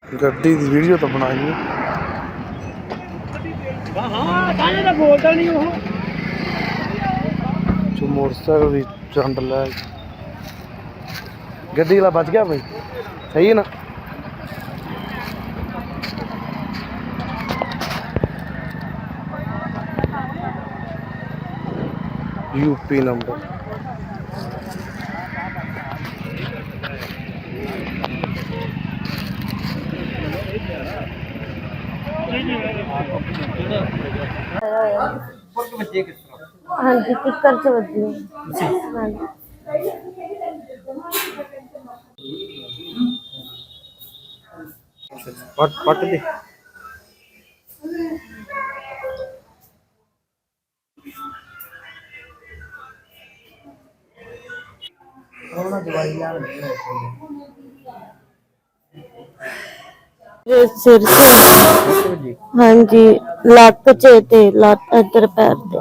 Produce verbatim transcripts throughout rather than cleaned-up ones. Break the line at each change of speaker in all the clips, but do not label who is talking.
ਗੱਡੀ ਦੀ ਵੀਡੀਓ ਤਾਂ ਬਣਾਈ
ਹਾਂ ਤਾਂ ਤਾਂ ਬੋਲਦਾ ਨਹੀਂ ਉਹ
ਜੋ मोटरसाइकिल भी चंड लै गड्डी वाला बच गया भाई सही है ना। यूपी नंबर
हाँ जी किकर से बजी हाँ जी
पट पट दे
सिर से हाँ जी लक च ते लत इधर पैर ते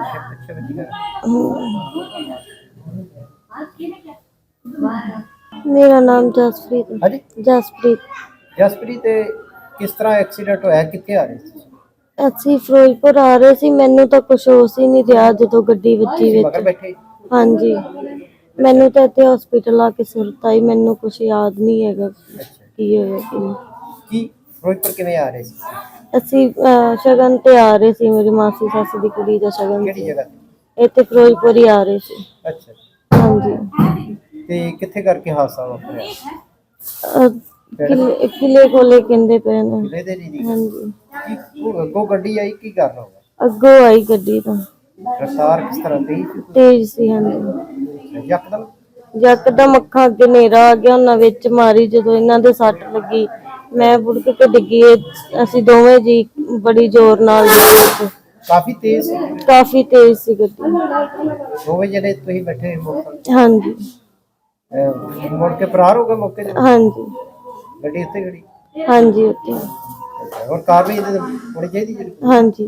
मेरा नाम जसप्रीत
हाँ जी
जसप्रीत
जसप्रीत किस तरह एक्सीडेंट होया कित्थे आ रहे सी
ਅਸੀਂ ਫਿਰੋਜ਼ਪੁਰ ਆ ਰਹੇ ਸੀ ਮੈਨੂੰ ਤਾਂ ਕੁਝ ਹੋਸ਼ ਹੀ ਨਹੀਂ ਰਿਹਾ ਜਦੋਂ ਗੱਡੀ ਵੱਜੀ
मगर
ਵਿੱਚ
बैठे
ਹਾਂਜੀ ਮੈਨੂੰ ਤਾਂ ਇੱਥੇ ਹਸਪੀਟਲ ਆ ਕੇ ਸੁਰਤ ਆਈ ਮੈਨੂੰ ਕੁਝ ਯਾਦ ਨਹੀਂ ਹੈਗਾ ਕੀ ਹੋਇਆ ਕੀ ਨਹੀਂ।
की फिरोजपुर किवें आ रहे सी
ਅਸੀਂ ਅਹ, ਸ਼ਗਨ ਤੇ ਆ ਰਹੇ ਸੀ ਮੇਰੀ ਮਾਸੀ ਸੱਸ ਦੀ ਕੁੜੀ ਦਾ ਸ਼ਗਨ
केड़ी
ਸੀ
जगह
ਇੱਥੇ ਫਿਰੋਜ਼ਪੁਰ ਹੀ ਆ ਰਹੇ ਸੀ
अच्छा
ਹਾਂਜੀ
ते कित्थे करके हादसा वापरिया
ਅਹ, ਕਿਲੇ ਕਿਲੇ ਕੋਲੇ ਕਹਿੰਦੇ ਪਏ ਨੇ
किले दे नहीं
ਹਾਂਜੀ
की अगों गड्डी आई की कर रहा होगा
ਅੱਗੋਂ ਆਈ ਗੱਡੀ ਤਾਂ
रफ्तार किस तरह थी
ਤੇਜ਼ ਸੀ ਹਾਂਜੀ
यकदम
ਯਕਦਮ ਅੱਖਾਂ ਅੱਗੇ ਹਨੇਰਾ ਆ ਗਿਆ ਉਹਨਾਂ ਵਿੱਚ ਮਾਰੀ ਜਦੋਂ ਇਹਨਾਂ ਦੇ ਸੱਟ ਲੱਗੀ ਮੈਂ ਬੁੜਕ ਕੇ ਡਿੱਗੀ ਅਸੀਂ ਦੋਵੇਂ ਜੀ ਬੜੀ ਜ਼ੋਰ ਨਾਲ ਡਿੱਗੇ
काफी तेज सी
ਕਾਫੀ ਤੇਜ਼ ਸੀ ਗੱਡੀ
दोवें जने तुसीं बैठे मोटर
ਹਾਂਜੀ
मुड़ के फरार हो गए मौके ते
ਹਾਂਜੀ
गड्डी उत्ते खड़ी
ਹਾਂਜੀ ਉੱਥੇ
और कार भी होनी चाहिए जी
ਹਾਂਜੀ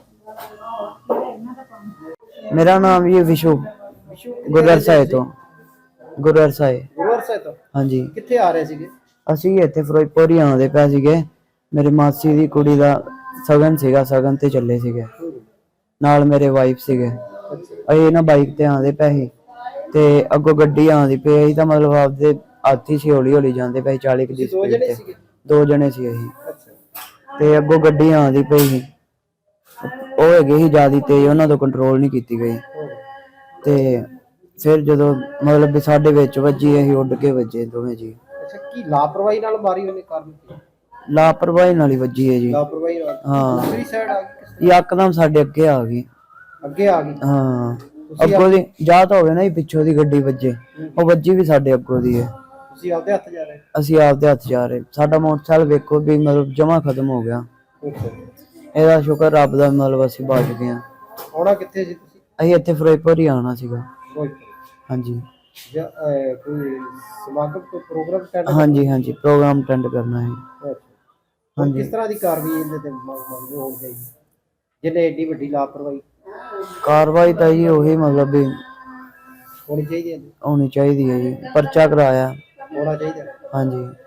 मेरा नाम ये विशु गुररसाए तो गुररसाए
गुरुवार से तो
हाँ जी
कित्थे आ रहे सीगे
ਅਸੀਂ ਇੱਥੇ ਫਿਰੋਜ਼ਪੁਰ ਹੀ ਆਉਂਦੇ ਪਏ ਸੀਗੇ ਮੇਰੇ ਮਾਸੀ ਦੀ ਕੁੜੀ ਦਾ ਸਗਨ ਸੀਗਾ ਸਗਨ ਤੇ ਚੱਲੇ ਸੀਗੇ ਨਾਲ ਮੇਰੇ ਵਾਈਫ ਸੀਗੇ ਅਸੀਂ ਨਾ ਬਾਈਕ ਤੇ ਆਉਂਦੇ ਪਏ ਸੀ ਤੇ ਅੱਗੋਂ ਗੱਡੀ ਆਉਂਦੀ ਪਈ ਅਸੀਂ ਤਾਂ ਮਤਲਬ ਆਪਦੇ ਆਤੀ ਸੀ ਹੌਲੀ ਹੌਲੀ ਜਾਂਦੇ ਪਏ ਚਾਲੀ ਦੀ
दो
ਸਪੀਡ
जने
ਤੇ
सीगे
ਦੋ ਜਣੇ ਸੀ ਅਸੀਂ
अच्छा
ਤੇ ਅੱਗੋਂ ਗੱਡੀ ਆਉਂਦੀ ਪਈ ਸੀ ਉਹ ਹੈਗੇ ਸੀ ਜ਼ਿਆਦਾ ਤੇਜ਼ ਉਹਨਾਂ ਤੋਂ ਕੰਟਰੋਲ ਨਹੀਂ ਕੀਤੀ ਗਈ ਤੇ ਫਿਰ ਜਦੋਂ ਮਤਲਬ ਵੀ ਸਾਡੇ ਵਿੱਚ ਵੱਜੀ ਅਸੀਂ ਉੱਡ ਕੇ ਵੱਜੇ ਦੋਵੇਂ ਜੀ
अच्छा की लापरवाही नाल मारी होने कारण की
ਲਾਪਰਵਾਹੀ ਨਾਲ ਹੀ ਵੱਜੀ ਹੈ ਜੀ
लापरवाही नाल
हाँ।
दूसरी साइड आ गई किस
ਯਕਦਮ ਸਾਡੇ ਅੱਗੇ ਆ ਗਈ
ਅੱਗੇ ਆ ਗਈ
ਹਾਂ ਅੱਗੋਂ ਦੀ ਜਾਂ ਤਾਂ ਹੋਵੇ ਨਾ ਜੀ ਪਿੱਛੋਂ ਦੀ ਗੱਡੀ ਵੱਜੇ ਉਹ ਵੱਜੀ ਵੀ ਸਾਡੇ ਅੱਗੋਂ ਦੀ ਹੈ
ਤੁਸੀਂ ਆਪਦੇ ਹੱਥ ਜਾ ਰਹੇ
ਅਸੀਂ ਆਪਦੇ ਹੱਥ ਜਾ ਰਹੇ ਸਾਡਾ ਮੋਟਰਸਾਈਕਲ ਵੇਖੋ ਵੀ ਮਤਲਬ ਜਮਾ ਖਤਮ ਹੋ ਗਿਆ
ਅੱਛਾ
ਇਹਦਾ ਸ਼ੁਕਰ ਰੱਬ ਦਾ ਮਤਲਬ ਅਸੀਂ ਬਚ ਗਏ ਹਾਂ
ਆਉਣਾ ਕਿੱਥੇ ਸੀ ਤੁਸੀਂ
ਅਸੀਂ ਇੱਥੇ ਫਿਰੋਜ਼ਪੁਰ ਹੀ ਆਉਣਾ ਸੀਗਾ
ਕੋਈ
ਹਾਂਜੀ
ਜਾਂ ਅਹ, ਕੋਈ ਸਮਾਗਮ ਕੋਈ ਪ੍ਰੋਗਰਾਮ ਅਟੈਂਡ
ਹਾਂਜੀ ਹਾਂਜੀ ਪ੍ਰੋਗਰਾਮ ਅਟੈਂਡ ਕਰਨਾ ਹੈ
ਹਾਂਜੀ
ਹਾਂਜੀ।
ਕਿਸ ਤਰ੍ਹਾਂ ਦੀ ਕਾਰਵਾਈ ਇਹਦੇ ਤੇ ਮੰਗ ਮੰਗਦੇ ਹੋਣੀ ਚਾਹੀਦੀ ਜਿਹਨੇ ਏਡੀ ਵੱਡੀ ਲਾਪਰਵਾਹੀ
ਕਾਰਵਾਈ ਤਾਂ ਜੀ ਉਹੀ ਮਤਲਬ ਵੀ
ਹੋਣੀ ਚਾਹੀਦੀ ਹੈ
ਹੋਣੀ ਚਾਹੀਦੀ ਹੈ ਜੀ ਪਰਚਾ ਕਰਾਇਆ
ਹੋਣਾ ਚਾਹੀਦਾ
ਹਾਂਜੀ